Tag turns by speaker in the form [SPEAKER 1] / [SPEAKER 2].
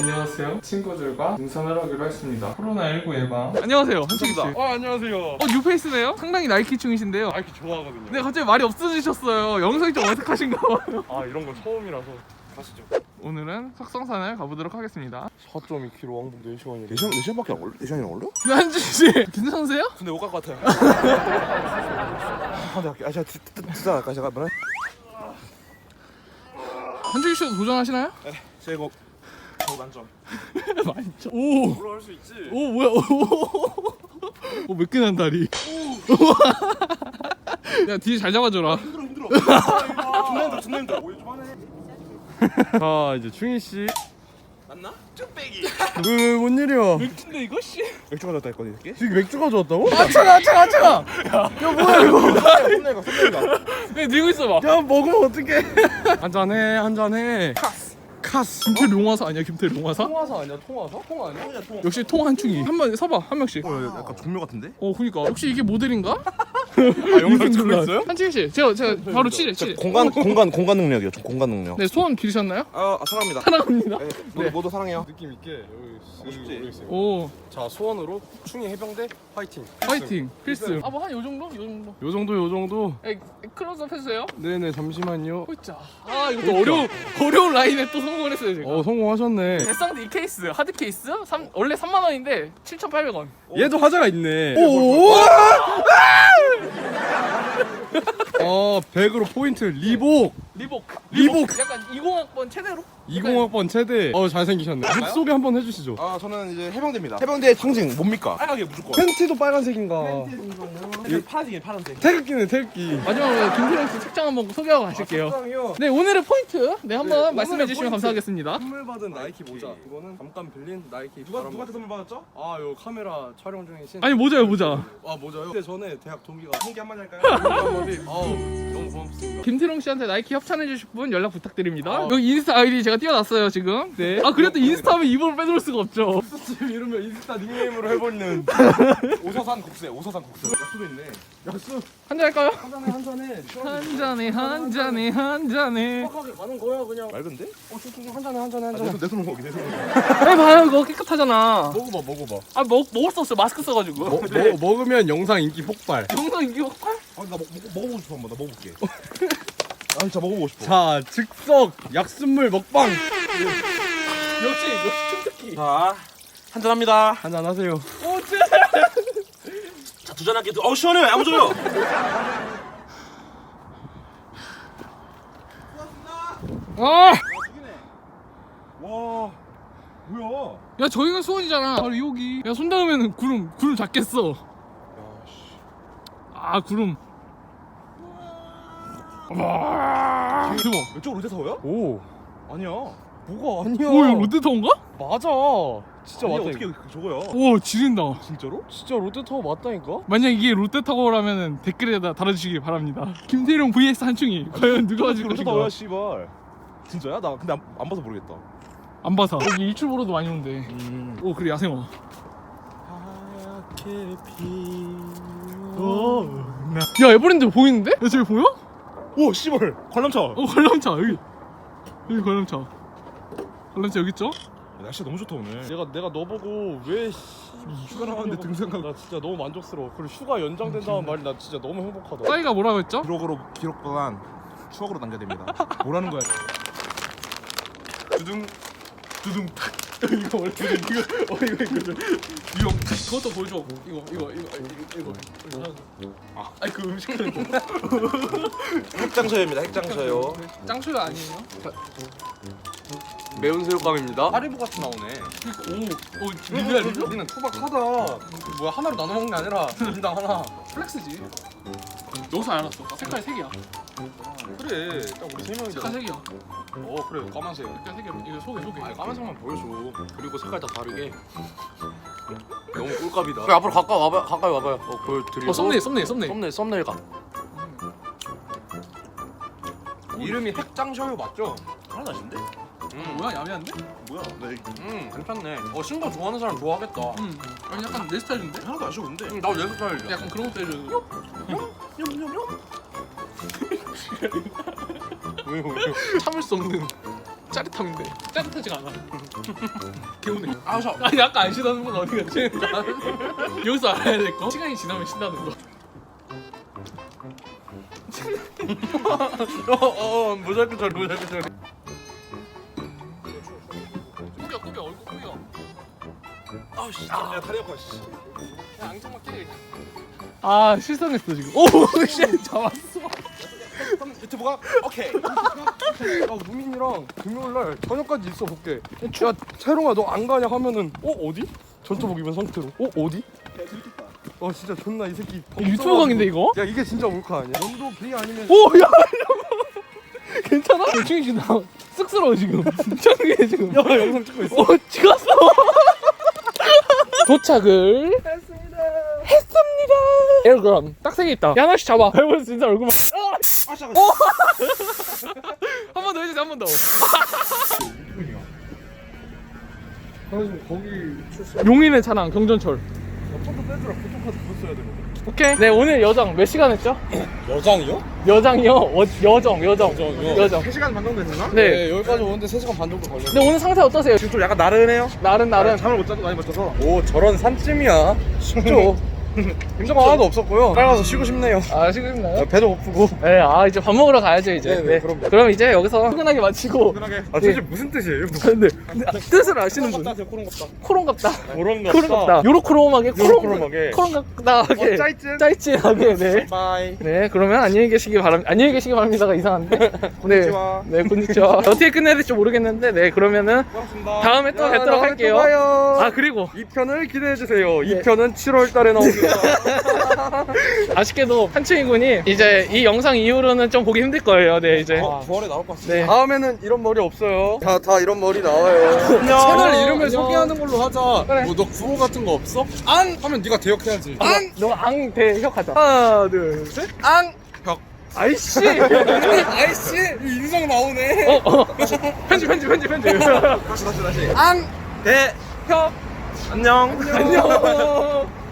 [SPEAKER 1] 안녕하세요. 친구들과 등산을 하기로 했습니다. 코로나19 예방. 안녕하세요. 한식씨.
[SPEAKER 2] 안녕하세요.
[SPEAKER 1] 뉴페이스네요? 상당히 나이키충이신데요.
[SPEAKER 2] 나이키 좋아하거든요.
[SPEAKER 1] 근데 갑자기 말이 없어지셨어요. 영상이 좀 어색하신가 봐요.
[SPEAKER 2] 아 이런 거 처음이라서. 가시죠.
[SPEAKER 1] 오늘은 석성산을 가보도록 하겠습니다.
[SPEAKER 2] 4.2km 왕복 4시간이래.
[SPEAKER 3] 4시간밖에 안 걸려? 4시간이나 걸려?
[SPEAKER 1] 한식씨 괜찮으세요?
[SPEAKER 2] 근데 못 갈 것 같아요.
[SPEAKER 3] 아, 네, 제가 듣자 할까? 제가 뭐래?
[SPEAKER 1] 한식씨도 도전하시나요?
[SPEAKER 2] 네, 제 이거 만점.
[SPEAKER 1] 많죠. 오!
[SPEAKER 2] 뭐라 할 수 있지?
[SPEAKER 1] 오 뭐야? 오 매끈한 다리. 야 뒤에 잘 잡아줘라.
[SPEAKER 2] 힘들어. 존나 힘들어. 오해 좀 하네.
[SPEAKER 4] 자 이제 충희 씨.
[SPEAKER 2] 맞나? 쭈빼기.
[SPEAKER 4] 왜뭔 일이야?
[SPEAKER 1] 맥주인데 이거 씨?
[SPEAKER 3] 맥주 가져왔다 했거든 이렇게?
[SPEAKER 4] 지금 맥주 가져왔다고?
[SPEAKER 1] 아 차가. 야 뭐야 이거?
[SPEAKER 3] 손내가
[SPEAKER 1] 네 들고 있어봐.
[SPEAKER 4] 야 먹으면 어떡해? 한잔해.
[SPEAKER 1] 카스. 김태 용화사 아니야 김태 용화사?
[SPEAKER 4] 통화사 아니야? 통화사? 통 아니야?
[SPEAKER 1] 역시 통 한충이. 한번 서봐 한 명씩.
[SPEAKER 3] 약간 종묘 같은데?
[SPEAKER 1] 그니까 혹시 이게 모델인가?
[SPEAKER 4] 아 영상 찍고 있어요?
[SPEAKER 1] 한충이 씨, 제가 바로 치래.
[SPEAKER 3] 공간 능력이요. 공간 능력.
[SPEAKER 1] 네 소원 빌으셨나요?
[SPEAKER 3] 사랑합니다.
[SPEAKER 1] 사랑합니다.
[SPEAKER 3] 네. 모두 사랑해요.
[SPEAKER 4] 느낌 있게 여기
[SPEAKER 3] 쉽지?
[SPEAKER 4] 모르겠어요.
[SPEAKER 1] 오
[SPEAKER 4] 자 소원으로 충희 해병대 화이팅.
[SPEAKER 1] 파이팅 필승. 아 뭐 한 요 정도?
[SPEAKER 4] 요 정도.
[SPEAKER 1] 에 클로즈업 해주세요.
[SPEAKER 4] 네네 잠시만요.
[SPEAKER 1] 자, 아 이거 또 어려운 라인에 또 성공을 했어요 제가.
[SPEAKER 4] 성공하셨네.
[SPEAKER 1] 대상도 이 케이스 하드 케이스 원래 3만 원인데 7,800원.
[SPEAKER 4] 얘도 화자가 있네.
[SPEAKER 1] 오.
[SPEAKER 4] 100으로 포인트 리복.
[SPEAKER 1] 리복. 약간 20학번 최대로.
[SPEAKER 4] 20학번 최대. 잘생기셨네. 룩 소개 한번 해주시죠.
[SPEAKER 3] 저는 이제 해병대입니다. 해병대의 상징 뭡니까?
[SPEAKER 2] 빨갛게 무조건.
[SPEAKER 4] 팬티도 빨간색인가?
[SPEAKER 2] 파란색.
[SPEAKER 4] 태극기네 태극기.
[SPEAKER 1] 마지막으로 김태령 씨 책장 한번 소개하고 가실게요.
[SPEAKER 4] 사랑해요.
[SPEAKER 1] 네 오늘의 포인트 한번
[SPEAKER 4] 오늘의
[SPEAKER 1] 말씀해 주시면
[SPEAKER 4] 포인트.
[SPEAKER 1] 감사하겠습니다.
[SPEAKER 4] 선물 받은 나이키 모자. 이거는 잠깐 빌린 나이키.
[SPEAKER 2] 누구한테 선물 받았죠?
[SPEAKER 4] 요 카메라 촬영 중이신.
[SPEAKER 1] 아니 모자요 모자.
[SPEAKER 4] 모자요? 그때 전에 대학 동기가
[SPEAKER 2] 한개 한마디 할까요?
[SPEAKER 4] 한마디. 너무 고맙습니다.
[SPEAKER 1] 김태령 씨한테 나이키 협찬해 주실 분 연락 부탁드립니다. 여기 인스타 아이디 제가 띄워놨어요 지금. 네. 아 그래도 인스타하면 이번을 빼놓을 수가 없죠.
[SPEAKER 4] 지금 이러면 인스타 닉네임으로 해버리는.
[SPEAKER 2] 오서산 국수. 약수도 있네.
[SPEAKER 4] 약수
[SPEAKER 1] 한잔 할까요?
[SPEAKER 4] 한잔해.
[SPEAKER 1] 한 잔에.
[SPEAKER 4] 빡하게 가는 거야 그냥.
[SPEAKER 3] 맑은데?
[SPEAKER 4] 한잔해.
[SPEAKER 3] 내 손으로 먹기 내 손으로.
[SPEAKER 1] 해봐요 이거 깨끗하잖아.
[SPEAKER 4] 먹어봐.
[SPEAKER 1] 아 먹을 수 없어요 마스크 써가지고.
[SPEAKER 4] 먹으면 영상 인기 폭발.
[SPEAKER 1] 영상 인기 폭발?
[SPEAKER 3] 나 먹어보고 싶어 한번. 나 먹어볼게. 진짜 먹어보고 싶어.
[SPEAKER 4] 자 즉석 약순물 먹방.
[SPEAKER 1] 역시 춤특기.
[SPEAKER 2] 자, 한잔합니다.
[SPEAKER 4] 한잔 하세요.
[SPEAKER 2] 자, 두 잔 할게요. 시원해. 야무져요.
[SPEAKER 1] 아!
[SPEAKER 2] 와, 뭐야?
[SPEAKER 1] 야 저기가 수원이잖아. 바로 여기. 야 손 닿으면 구름 작겠어. 아 구름. 와. 대박.
[SPEAKER 2] 이쪽 롯데타워야?
[SPEAKER 4] 오
[SPEAKER 2] 아니야.
[SPEAKER 4] 뭐가 아니야.
[SPEAKER 1] 오 이거 롯데타워인가?
[SPEAKER 4] 맞아. 진짜
[SPEAKER 2] 아니,
[SPEAKER 4] 맞다니까.
[SPEAKER 2] 어떻게 저거야?
[SPEAKER 1] 오 지린다.
[SPEAKER 2] 진짜로?
[SPEAKER 4] 진짜 롯데타워 맞다니까.
[SPEAKER 1] 만약 이게 롯데타워라면 댓글에다 달아주시기 바랍니다. 김태룡 vs 한충이 과연 누가 맞을
[SPEAKER 2] 롯데타워야,
[SPEAKER 1] 것인가?
[SPEAKER 2] 씨발. 진짜야? 나 근데 안 봐서 모르겠다.
[SPEAKER 1] 안 봐서 여기 일출 보러도 많이 온대. 오 그래 야생화. 야 에버랜드 보이는데? 야 저기 보여?
[SPEAKER 2] 오, 씨발. 관람차.
[SPEAKER 1] 관람차 여기 관람차. 관람차 여기 있죠?
[SPEAKER 2] 날씨가 너무 좋다 오늘.
[SPEAKER 4] 내가 너 보고 왜
[SPEAKER 2] 휴가 나갔는데 등산 가.
[SPEAKER 4] 나 진짜 너무 만족스러워. 그리고 휴가 연장된다는 말이 나 진짜 너무 행복하다.
[SPEAKER 1] 싸이가 뭐라고 했죠?
[SPEAKER 3] 기록보단 추억으로 남겨야 됩니다.
[SPEAKER 2] 뭐라는 거야? 두둥.
[SPEAKER 1] 이거 원래 이거 이거 그것도 보여줘. 이거 아니 그 음식은
[SPEAKER 2] 핵장서입니다. 핵장서요.
[SPEAKER 1] 짱초가 아니에요?
[SPEAKER 4] 매운 새우감입니다.
[SPEAKER 2] 하리보 같이 나오네.
[SPEAKER 1] 오 리뷰야 리뷰?
[SPEAKER 4] 우리는 투박하다. 뭐야 하나로 나눠 먹는 게 아니라 인당 하나.
[SPEAKER 1] 플렉스지. 여기서 알았어. 색깔 3개야.
[SPEAKER 2] 그래. 딱 우리 세 명이잖아.
[SPEAKER 1] 색깔 3개야.
[SPEAKER 2] 그래. 까만색.
[SPEAKER 1] 색깔 3개. 이거 소개.
[SPEAKER 2] 아니 까만색만 보여줘. 그리고 색깔 다 다르게. 너무 꿀값이다.
[SPEAKER 4] 그래 앞으로 가까이 와봐요. 보여드리고. 썸네일 가.
[SPEAKER 2] 이름이 핵장셔요 맞죠? 하나도 아신데?
[SPEAKER 1] 뭐야 야매한데?
[SPEAKER 2] 뭐야? 괜찮네. 신거 좋아하는 사람 좋아하겠다.
[SPEAKER 1] 아니 약간 내 스타일인데?
[SPEAKER 2] 하나도 안 쉬운데? 나도 내 스타일이야.
[SPEAKER 1] 약간 그런 것도 해줘.
[SPEAKER 2] 왜?
[SPEAKER 1] 참을 수 없는 짜릿함인데 짜릿하지가 않아. 개운해. 아니 아까 안 쉬다는 분 어디 갔지? 여기서 알아야 될 거. 시간이 지나면 쉰다는 거.
[SPEAKER 3] 모자이크 처리 모자이크 처리.
[SPEAKER 1] 꾸겨 얼굴 꾸겨.
[SPEAKER 3] 아우씨. 야 다리 아파. 씨.
[SPEAKER 1] 야 앙증만 깨. 아 실성했어 지금. 오씨 잡았어.
[SPEAKER 3] 유튜브가 오케이. 야 무민이랑 금요일날 저녁까지 있어 볼게. 야 채롱아 너 안 가냐 하면은 어디? 전투복 입은 상태로 어디? 진짜 존나 이 새끼
[SPEAKER 1] 유튜브 강인데 이거?
[SPEAKER 3] 야 이게 진짜 몰카 아니야? 연도 B 아니면
[SPEAKER 1] 오야 괜찮아? 중이 지금 나 쑥스러워 지금. 창규 지금.
[SPEAKER 3] 야 영상 찍고 있어.
[SPEAKER 1] 찍었어. 도착을 했습니다. 에어그람 딱 3개 있다. 야 하나씩 잡아. 해보자 진짜 얼굴만. 한 번 더 해주세요. 한 번 더.
[SPEAKER 3] 거기
[SPEAKER 1] 용인의 찬양 경전철.
[SPEAKER 3] 폰도 빼주라. 포토카드 그거 써야 되거든.
[SPEAKER 1] 오케이. 네 오늘 여정 몇 시간 했죠?
[SPEAKER 3] 여장이요?
[SPEAKER 1] 여정이요? 여정.
[SPEAKER 3] 3시간 반 정도 됐나?
[SPEAKER 1] 네.
[SPEAKER 3] 여기까지 오는데 3시간 반 정도 걸렸네.
[SPEAKER 1] 근데 오늘 상태 어떠세요?
[SPEAKER 3] 지금 좀 약간 나른해요?
[SPEAKER 1] 나름.
[SPEAKER 3] 잠을 못 자도 많이 못 자서. 오 저런 산쯤이야. 쉽죠. 힘든 거 하나도 없었고요. 빨리 가서 쉬고 싶네요.
[SPEAKER 1] 아 쉬겠나요?
[SPEAKER 3] 배도 고프고.
[SPEAKER 1] 네, 이제 밥 먹으러 가야죠 이제.
[SPEAKER 3] 네, 그럼요.
[SPEAKER 1] 그럼 이제 여기서 퇴근하게 마치고.
[SPEAKER 3] 편하게.
[SPEAKER 1] 네.
[SPEAKER 3] 도대체 무슨 뜻이에요?
[SPEAKER 1] 근데 뜻을 아시는 분?
[SPEAKER 3] 코롱 같다.
[SPEAKER 1] 코롱 같다.
[SPEAKER 3] 코롱
[SPEAKER 1] 코롱 같다. 요로크롬하게
[SPEAKER 3] 요로크롬하게.
[SPEAKER 1] 코롱 같다하게.
[SPEAKER 3] 짜이찐.
[SPEAKER 1] 짜이찐하게. 네.
[SPEAKER 3] 바이.
[SPEAKER 1] 네, 그러면 안녕히 계시기 바랍니다. 안녕히 계시기 바랍니다가 이상한데. 네.
[SPEAKER 3] 곤니치와.
[SPEAKER 1] 네, 곤니치와. 어떻게 끝내야 될지 모르겠는데, 네, 그러면은
[SPEAKER 3] 고맙습니다.
[SPEAKER 1] 다음에 또 뵙도록
[SPEAKER 3] 다음에
[SPEAKER 1] 할게요.
[SPEAKER 3] 또 봐요.
[SPEAKER 1] 아, 그리고
[SPEAKER 3] 2편을 기대해 주세요.
[SPEAKER 1] 네.
[SPEAKER 3] 2편은 7월 달에 나옵니다.
[SPEAKER 1] 아쉽게도 한채인 군이 이제 이 영상 이후로는 좀 보기 힘들 거예요. 네, 이제.
[SPEAKER 3] 9월에 나올 것 같습니다.
[SPEAKER 1] 네.
[SPEAKER 3] 다음에는 이런 머리 없어요. 다 이런 머리 나와요.
[SPEAKER 1] 채널
[SPEAKER 3] 이름을
[SPEAKER 1] 안녕.
[SPEAKER 3] 소개하는 걸로 하자.
[SPEAKER 1] 그래.
[SPEAKER 3] 뭐 너 구호 같은 거 없어? 안 하면 네가 대역해야지.
[SPEAKER 1] 너앙 대혁하자. 하나, 둘, 셋.
[SPEAKER 3] 안 벽.
[SPEAKER 1] 아이씨.
[SPEAKER 3] 아이씨 인성 나오네.
[SPEAKER 1] 편집.
[SPEAKER 3] 다시. 안 대. 혁. 안녕.
[SPEAKER 1] 안녕.